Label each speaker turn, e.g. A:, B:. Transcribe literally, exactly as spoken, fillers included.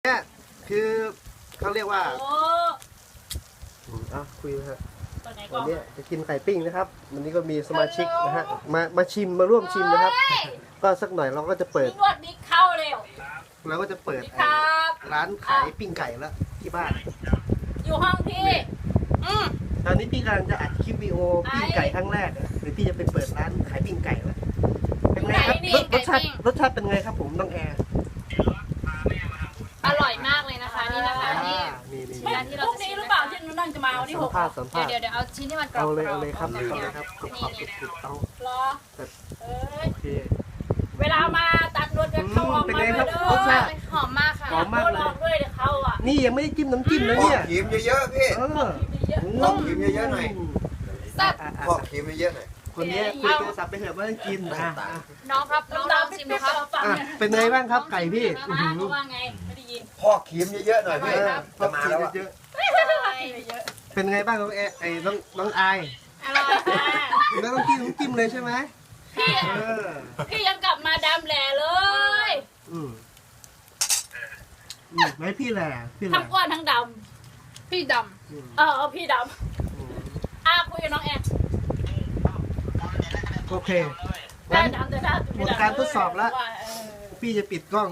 A: เนี่ยคือเขาเรียกว่า
B: โอ้
A: อืมอ่ะคุยนะฮะ
B: ตัวไหนก่
A: วั
B: อน น
A: นี้จะกินไข่ปิ้งนะครับวันนี้ก็มีสมาชิกนะฮะมามาชิมมาร่วมชิมนะครับ ก็สักหน่อยเราก็จะเปิด
B: นวดบิ๊กเข้าเร็ว
A: เราก็จะเปิด
B: บิ๊กครับ
A: ร้านขายปิ้งไก่แล้วที่บ้าน
B: อยู่ห้องพี่อืม
A: ตอนนี้พี่กำลังจะอัดคลิปวิดีโอปิ้งไก่ครั้งแรกอะเดี๋ยวพี่จะไปเปิดร้านขายปิ้งไก่แล้วเป็นไงครับรสรสชาติรสชาติเป็นไงครับผมน้องแอร์
C: อร่อยมากเลยนะคะนี่นะคะนี่
A: อ่านี่นี่
B: ไม่
A: นี่
B: พรุ่งนี้หรือเปล่าที่หนูนั่งจะมาวันที่ห
A: สัม
B: ก
A: ภาษณ์สัมภาษณ์
C: เดี๋ยวเดี๋ยวเอาชิ้นที่มันกรอบ
A: เอา
C: ๆ
A: เลยเอาเลยครับ
C: แบ
A: เอา
C: บ
A: เล
C: นี้
A: ยครับขอบขอบสุดๆเอา
B: รอ
A: แต่
B: เอ้ย
A: โอเค
B: เวลามาตัดรถจะเข้าออก
A: เป็น
B: มา
A: ไง
B: ด้วย
A: ครับ
B: เด้
A: รสชาติ
C: หอมมากค่ะ
A: หอมมากเลย
B: ลองด้วยเดี๋ยวเขาอ่ะ
A: นี่ยังไม่ได้จิ้มน้ำจิ้มนะ
D: พอก
A: เนี่ย
D: ครีมเยอะๆพี่
A: เออ
B: เยอะ
D: พอกครีมเยอะๆหน่อย
C: แซ่บ
A: อ่ะอ่ะ
D: พอกครีมเยอะๆหน่อย
A: คนนี้คุยโทรศัพท์ไปเถอะไม่ต้องกินอ่ะอ่ะ
C: น้องครับน้องลองชิมดูครับ
B: ฟัง
A: อ่ะ
B: เนี่ย
A: เป็นไงบ้างครับไก่พี่
B: มาเขาว่าไงไม่ได้ยิน
D: พอกครีมเยอะๆหน่อย
A: เอ
D: พี่
A: อพอ
D: จะมา
A: กิน
D: แล้วอะ
A: เยอะ
B: เยอะ
A: ๆเป็นไงบ้างน้องแอไอ้น้องน้องอาย
B: อร่อยค่ะ
A: ไม่ต้องกินน้ำจิ้มเลยใช่ไหม
B: พี่
A: เออ
B: พี่ยังกลับมาดำแหล่เลย
A: อืมอืมไม่พี่แหละพี่แหละ
B: ทั้งอ้วนทั้งด
C: พี่ด
A: อืม
B: ำเออเอาพี่ด
A: อืม
B: ำอ่ะคุยกับน้องแอน
A: โอเค
B: ได้
A: งั้น
B: ดำแต่หน้า
A: หมดการทดสอบแล้ว
B: ว่าเออ
A: พี่จะปิดกล้อง